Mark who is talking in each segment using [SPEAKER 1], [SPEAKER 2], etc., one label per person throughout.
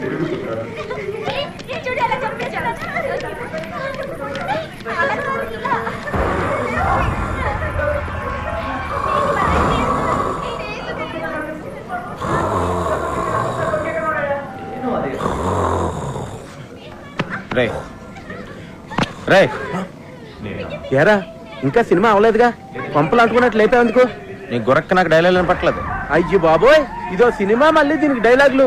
[SPEAKER 1] ఏరా ఇంకా సినిమా అవలేదుగా, పంపులు అంటుకున్నట్టు లేపేందుకు?
[SPEAKER 2] నీ గురక్క నాకు డైలాగ్ పట్టలేదు.
[SPEAKER 1] అయ్యి బాబోయ్, ఇదో సినిమా మళ్ళీ దీనికి డైలాగులు.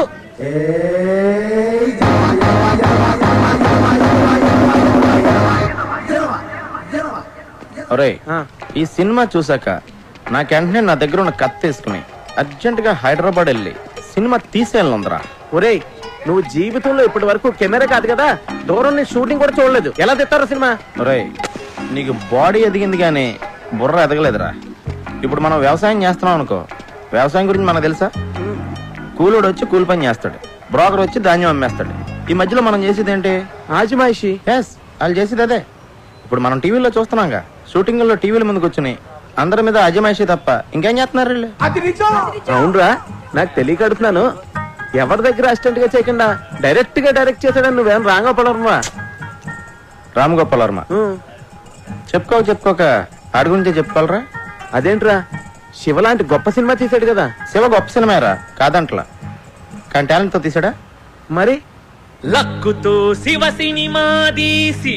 [SPEAKER 2] ఈ సినిమా చూసాక నాకు వెంటనే నా దగ్గర ఉన్న కత్తి తీసుకుని అర్జెంట్ గా హైదరాబాద్ వెళ్ళి సినిమా తీసేయాలందరా.
[SPEAKER 1] ఒరేయ్, నువ్వు జీవితంలో ఇప్పటి వరకు కెమెరా కాదు కదా, దూరం నుంచి షూటింగ్ కూడా చూడలేదు, ఎలా తెస్తారో సినిమా?
[SPEAKER 2] ఒరేయ్, నీకు బాడీ ఎదిగింది కానీ బుర్ర ఎదగలేదురా. ఇప్పుడు మనం వ్యవసాయం చేస్తున్నాం అనుకో, వ్యవసాయం గురించి మనకు తెలుసా? కూలోడు వచ్చి కూలి పని చేస్తాడు, బ్రోకర్ వచ్చి ధాన్యం అమ్మేస్తాడు. ఈ మధ్యలో మనం చేసేది ఏంటి?
[SPEAKER 1] ఆజిమాయిషి.
[SPEAKER 2] ఎస్, వాళ్ళు చేసేది అదే. ఇప్పుడు మనం టీవీలో చూస్తున్నాంగా, షూటింగ్లో టీవీల ముందుకు వచ్చి అందరి మీద అజమాయిషి తప్ప ఇంకేం చేస్తున్నారు వీళ్ళు?
[SPEAKER 1] అవునరా, నాకు తెలియక అడుగుతున్నాను. ఎవరి దగ్గర అసిస్టెంట్ గా చేయకుండా డైరెక్ట్ గా డైరెక్ట్ చేశాడని నువ్వేం రాంగోపాల్ వర్మ?
[SPEAKER 2] రామ్గోపాల్ వర్మ చెప్పుకోక ఆడి గురించే చెప్పుకోవాలరా.
[SPEAKER 1] అదేంట్రా, శివ లాంటి గొప్ప సినిమా తీసాడు కదా.
[SPEAKER 2] శివ గొప్ప సినిమారా కాదంట్లా, కానీ టాలెంట్ తో తీసాడా.
[SPEAKER 1] మరి
[SPEAKER 3] లక్కుతో శివ సినిమా తీసి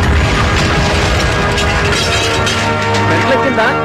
[SPEAKER 1] కింద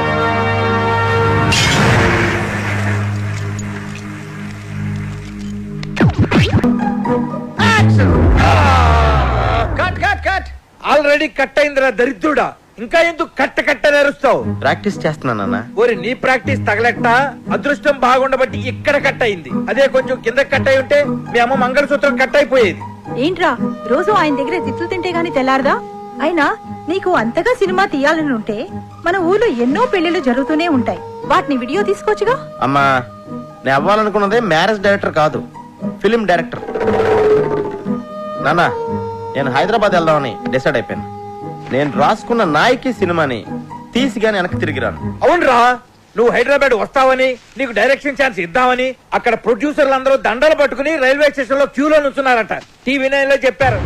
[SPEAKER 4] ఆల్రెడీ కట్ అయిందిరా దరిద్రుడా, ఇంకా ఎందుకు కట్ట నేరుస్తావు?
[SPEAKER 2] ప్రాక్టీస్ చేస్తున్నానన్నా.
[SPEAKER 4] ఓరి నీ ప్రాక్టీస్ తగలెట్ట, అదృష్టం బాగుండబట్టి ఇక్కడ కట్ అయింది. అదే కొంచెం కింద కట్ అయి ఉంటే మీ అమ్మ మంగళసూత్రం కట్ అయిపోయేది.
[SPEAKER 5] ఏంట్రా రోజు ఆయన దగ్గర తిట్లు తింటే గాని తెల్లారదా? అయినా నీకు అంతగా సినిమా తీయాలని ఉంటే మన ఊర్లో ఎన్నో పెళ్లిళ్ళు జరుగుతూనే ఉంటాయి, వాటిని వీడియో తీసుకోవచ్చుగా.
[SPEAKER 2] అమ్మా, నేను అవ్వాలనుకున్నదే మ్యారేజ్ డైరెక్టర్ కాదు, ఫిలిం డైరెక్టర్. నాన్న, నేను హైదరాబాద్ వెళ్దామని డిసైడ్ అయిపోయాను. నేను రాసుకున్న నాయకి సినిమాని తీసి గాని వెనక్కి తిరిగిరాను.
[SPEAKER 4] అవునరా, నువ్వు హైదరాబాద్ వస్తావని, నీకు డైరెక్షన్ ఛాన్స్ ఇద్దామని అక్కడ ప్రొడ్యూసర్లు అందరూ దండలు పట్టుకుని రైల్వే స్టేషన్ లో క్యూలో నుంచున్నారట. టీవీ నైన్ లో చెప్పారు.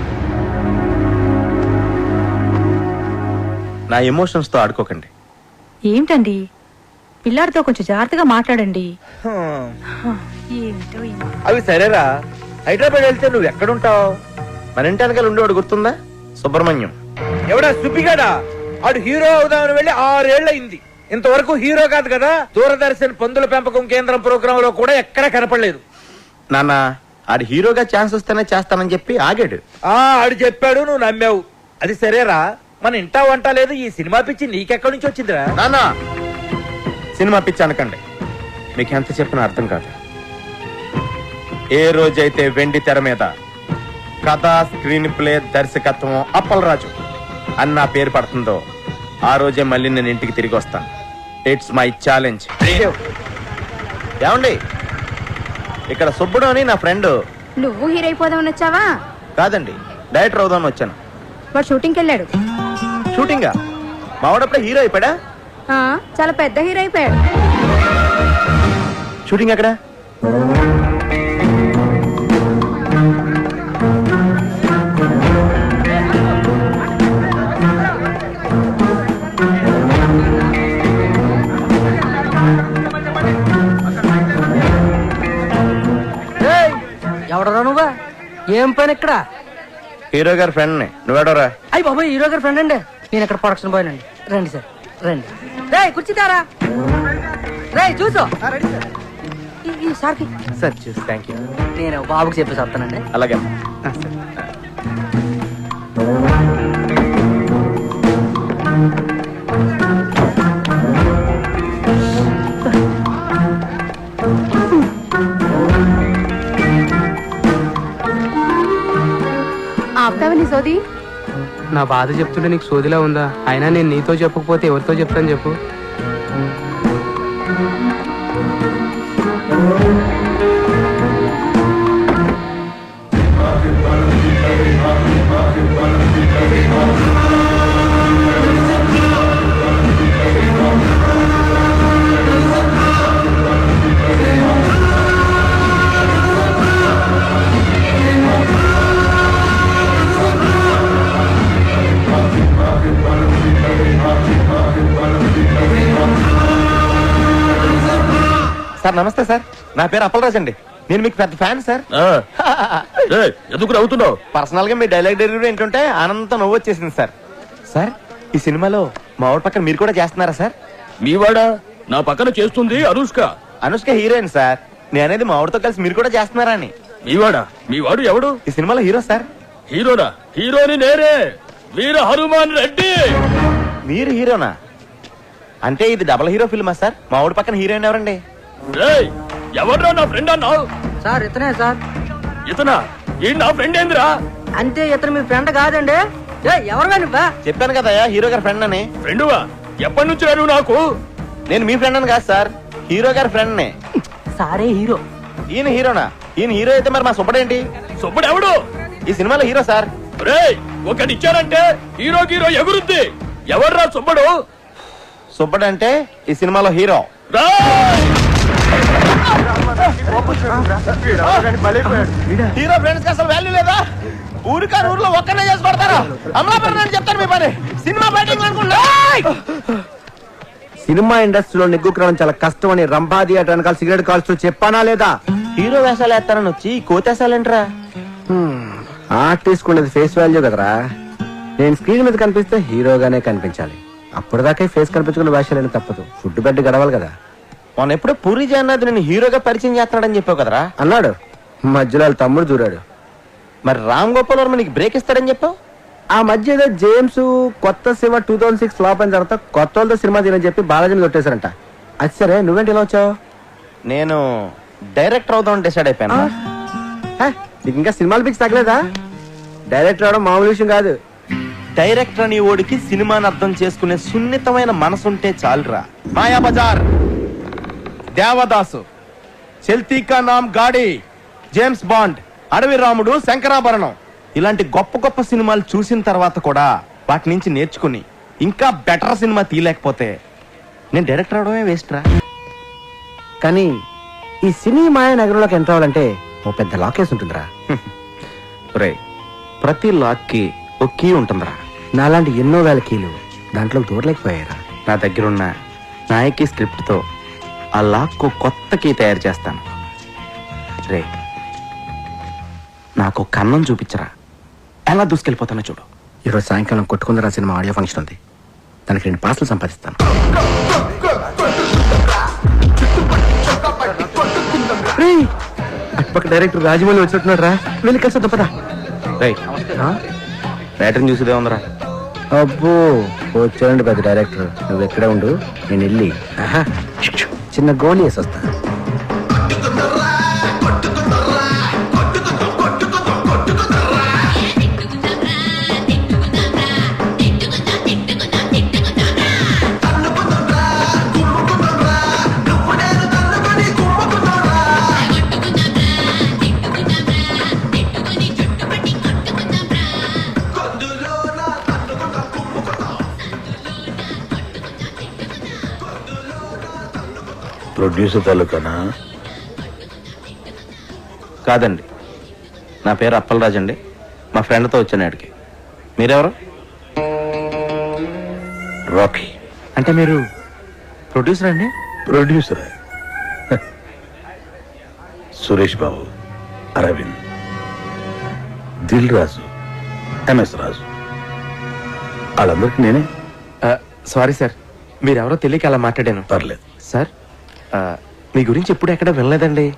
[SPEAKER 2] నా ఎమోషన్స్ తో ఆడుకోకండి.
[SPEAKER 5] ఏంటండి, పిల్లాడితో కొంచెం జాగ్రత్తగా మాట్లాడండి.
[SPEAKER 4] అవి సరేరా, హైదరాబాద్ వెళ్తే నువ్వు ఎక్కడుంటావు?
[SPEAKER 2] మన ఇంటి వెనకాల ఉండేవాడు గుర్తుందా? సుబ్రహ్మణ్యం.
[SPEAKER 4] ఎవడా సుబ్బిగాడా? ఆడు హీరో అవుదామని వెళ్ళి 6 ఏళ్లయింది, ఇంతవరకు హీరో కాదు కదా. దూరదర్శన్ పందుల పెంపకం కేంద్రం ప్రోగ్రామ్ లో కూడా ఎక్కడా కనపడలేదు.
[SPEAKER 2] నాన్న, ఆడు హీరోగా ఛాన్స్ వస్తేనే చేస్తానని చెప్పి ఆగాడు.
[SPEAKER 4] ఆడు చెప్పాడు, నువ్వు నమ్మావు. అది సరేరా, మన ఇంటా వంట లేదు, ఈ సినిమా పిచ్చి నీకెక్కడి నుంచి వచ్చిందిరా?
[SPEAKER 2] నాన్న, సినిమా పిచ్చి అనకండి, మీకు ఎంత చెప్పినా అర్థం కాదు. ఏ రోజైతే వెండి తెర మీద కథ, స్క్రీన్ ప్లే, దర్శకత్వం అప్పలరాజు అన్న పేరు పడుతుందో ఆ రోజే మళ్ళీ నేను ఇంటికి తిరిగి వస్తాను. It's my challenge. ఏమండి, ఇక్కడ సుబ్బుడు అని నా ఫ్రెండ్.
[SPEAKER 6] నువ్వు హీరో అయిపోదామని వచ్చావా?
[SPEAKER 2] కాదండి, డైరెక్టర్ అవుదామని వచ్చాను.
[SPEAKER 6] వాడు షూటింగ్కి వెళ్ళాడు.
[SPEAKER 2] షూటింగా? మావాడప్పుడే హీరో అయిపోయాడా?
[SPEAKER 6] చాలా పెద్ద హీరో అయిపోయాడు.
[SPEAKER 2] షూటింగ్ ఎక్కడ?
[SPEAKER 7] ఎవడరా నువ్వా? ఏం పని ఇక్కడ?
[SPEAKER 2] హీరో గారి ఫ్రెండ్ ని. నువ్వేడోరా?
[SPEAKER 7] అయ్యి బాబు, హీరో గారి ఫ్రెండ్ అండి. నేను ఇక్కడ ప్రొడక్షన్ బాయ్ అండి. రండి సార్, రండి. రే కూర్చుతారా? రే చూసు సార్కి
[SPEAKER 2] సార్ చూసి థ్యాంక్ యూ.
[SPEAKER 7] నేను బాబుకి చెప్పేసి వస్తానండి.
[SPEAKER 2] అలాగే.
[SPEAKER 6] ఆపుతావని సోది?
[SPEAKER 8] నా బాధ చెప్తుంటే నీకు సోదిలా ఉందా? అయినా నేను నీతో చెప్పకపోతే ఎవరితో చెప్తాను చెప్పు?
[SPEAKER 2] సార్ నమస్తే సార్, నా పేరు అప్పలరాజ్ అండి. నేను మీకు పెద్ద ఫ్యాన్ సార్.
[SPEAKER 1] ఎందుకు నవ్వుతున్నావు?
[SPEAKER 2] పర్సనల్ గా మీ డైలాగ్ డెలివరీ ఏంటంటే ఆనందంతో నవ్వు వచ్చేసింది సార్. సార్ ఈ సినిమాలో మా ఊరి పక్కన మీరు కూడా చేస్తున్నారా సార్?
[SPEAKER 1] మీవాడా నా పక్కన చేస్తుంది అనుష్క.
[SPEAKER 2] Anushka heroine sir. నేనేది మా ఊరితో కలిసి మీరు కూడా చేస్తున్నారా అని.
[SPEAKER 1] మీవాడు ఎవడు?
[SPEAKER 2] ఈ సినిమాలో హీరో సార్.
[SPEAKER 1] హీరోనా? హీరోని నేనే, వీర హనుమాన్ రెడ్డి.
[SPEAKER 2] మీరు హీరోనా? అంటే ఇది డబుల్ హీరో ఫిల్మా సార్? మా ఊరి పక్కన హీరోయిన్ ఎవరండి?
[SPEAKER 1] ఎవడ్రా నా ఫ్రెండ్ అన్నావు?
[SPEAKER 7] సార్ ఇతనే సార్.
[SPEAKER 1] ఇతనా? ఈ నా ఫ్రెండ్ ఏందిరా?
[SPEAKER 7] అంతే, ఇతను మీ ఫ్రెండ్ కాదండి. ఎవరు నువ్వా?
[SPEAKER 2] చెప్పాను కదా హీరో గారి ఫ్రెండ్ అని.
[SPEAKER 1] ఫ్రెండువా? ఎప్పటి నుంచి నువ్వు నాకు?
[SPEAKER 2] నేను మీ ఫ్రెండ్ అని కాదు సార్, హీరో గారి ఫ్రెండ్ నే.
[SPEAKER 7] సారే హీరో.
[SPEAKER 2] ఈయన హీరోనా? ఈయన హీరో అయితే మరి మా సుబ్బడేంటి?
[SPEAKER 1] సుబ్బడు ఎవడు?
[SPEAKER 2] ఈ సినిమాలో హీరో సార్.
[SPEAKER 1] ఒకటిచ్చారంటే హీరో హీరో ఎగురుద్ది. ఎవర్రా సుబ్బడు?
[SPEAKER 2] సుబ్బడు అంటే ఈ సినిమాలో హీరో. హీరో ఫ్రెండ్స్ కి అసలు వాల్యూ లేదా? ఊరికాని ఊర్లో ఒక్కనే చేసి పడతారా? అమలాపురం అని చెప్తారు మీ పని. సినిమా బయటింగ్ అనుకుంటా.
[SPEAKER 1] సినిమా ఇండస్ట్రీలో నిగ్గుకరం చాలా కష్టం అని రంభా థియేటర్ వెనకాల సిగరెట్ కాల్స్తూ చెప్పానా లేదా?
[SPEAKER 2] హీరో వేషాలు వేస్తారని వచ్చి కోతేసాలంటరా?
[SPEAKER 1] ఆర్టిస్ట్ ఉండేది ఫేస్ వాల్యూ కదరా. నేను స్క్రీన్ మీద కనిపిస్తే హీరోగానే కనిపించాలి. అప్పటిదాకా ఫేస్ కనిపించుకున్న వేషాలని తప్పదు. ఫుడ్ బెడ్ గడవాలి కదా.
[SPEAKER 2] మొన్న ఎప్పుడో పూరి జగన్నాథ్ నేను హీరోగా పరిచయం చేస్తున్నాడని చెప్పావు కదరా?
[SPEAKER 1] అన్నాడు. మధ్యలో వాళ్ళ తమ్ముడు దూరాడు.
[SPEAKER 2] మరి రామ్ గోపాల్ వర్మ నీకు బ్రేక్ ఇస్తాడని చెప్పావు.
[SPEAKER 1] ఆ మధ్య ఏదో జేమ్స్ కొత్త సినిమా 2006 ఫ్లాప్ అయిన తర్వాత కొత్త వాళ్ళతో సినిమా తీయని చెప్పి బాలాజీని కొట్టేశారంట. అది సరే, నువ్వేంటి ఇలా వచ్చావు?
[SPEAKER 2] నేను డైరెక్టర్ అవుదామని డిసైడ్ అయిపోయాను.
[SPEAKER 1] నీకు ఇంకా సినిమాలు పిక్స్ తగ్గలేదా? డైరెక్టర్ అవడం మామూలు విషయం కాదు.
[SPEAKER 2] డైరెక్టర్ అని ఓడికి సినిమాని అర్థం చేసుకునే సున్నితమైన మనసుంటే చాలురా. మాయా బజార్, దేవదాసు, చల్తీ కా నామ్ గాడి, జేమ్స్ బాండ్, అడవి రాముడు, శంకరాభరణం ఇలాంటి గొప్ప గొప్ప సినిమాలు చూసిన తర్వాత కూడా వాటి నుంచి నేర్చుకుని ఇంకా బెటర్ సినిమా తీయలేకపోతే నేను డైరెక్టర్ అవడమే వేస్ట్ రా.
[SPEAKER 1] కానీ ఈ సినీ మాయ నగరంలోకి ఎంటర్ అవ్వాలంటే ఓ పెద్ద లాకేస్ ఉంటుందిరా.
[SPEAKER 2] రే, ప్రతి లాక్ కి ఒక కీ ఉంటుందిరా.
[SPEAKER 1] నాలాంటి ఎన్నో వేల కీలు దాంట్లో దూరలేకపోయారా.
[SPEAKER 2] నా దగ్గరున్న నాయకి స్క్రిప్ట్ తో ఆ లాక్ కు కొత్త కీ తయారు చేస్తాను. రే, నాకు కన్నం చూపించరా, ఎలా దూసుకెళ్ళిపోతానో చూడు.
[SPEAKER 1] ఈరోజు సాయంకాలం కొట్టుకుందరా సినిమా ఆడియో ఫంక్షన్ ఉంది. దానికి 2 పాసులు సంపాదిస్తాను. అటుపక్క డైరెక్టర్ రాజమౌళి వచ్చినట్టున్నాడు రా. వెళ్ళి కలిసి పదా.
[SPEAKER 2] రైటర్ని చూసేదే ఉందరా.
[SPEAKER 1] అబ్బో, వచ్చారండి పెద్ద డైరెక్టర్. నువ్వు ఎక్కడే ఉండు, నేను వెళ్ళి చిన్న గోళీ వేసి వస్తా.
[SPEAKER 9] ప్రొడ్యూసర్ తాలూకానా?
[SPEAKER 2] కాదండి, నా పేరు అప్పలరాజ్ అండి. మా ఫ్రెండ్తో వచ్చాను ఆడికి. మీరెవరు?
[SPEAKER 9] రాకీ.
[SPEAKER 2] అంటే మీరు ప్రొడ్యూసర్ అండి?
[SPEAKER 9] ప్రొడ్యూసర్ సురేష్ బాబు, అరవింద్, దిల్ రాజు, ఎంఎస్ రాజు, వాళ్ళందరికీ నేనే.
[SPEAKER 2] సారీ సార్, మీరెవరో తెలియక అలా మాట్లాడాను.
[SPEAKER 9] పర్లేదు.
[SPEAKER 2] సార్, మీ గురించి ఎప్పుడు ఎక్కడ వినలేదండి.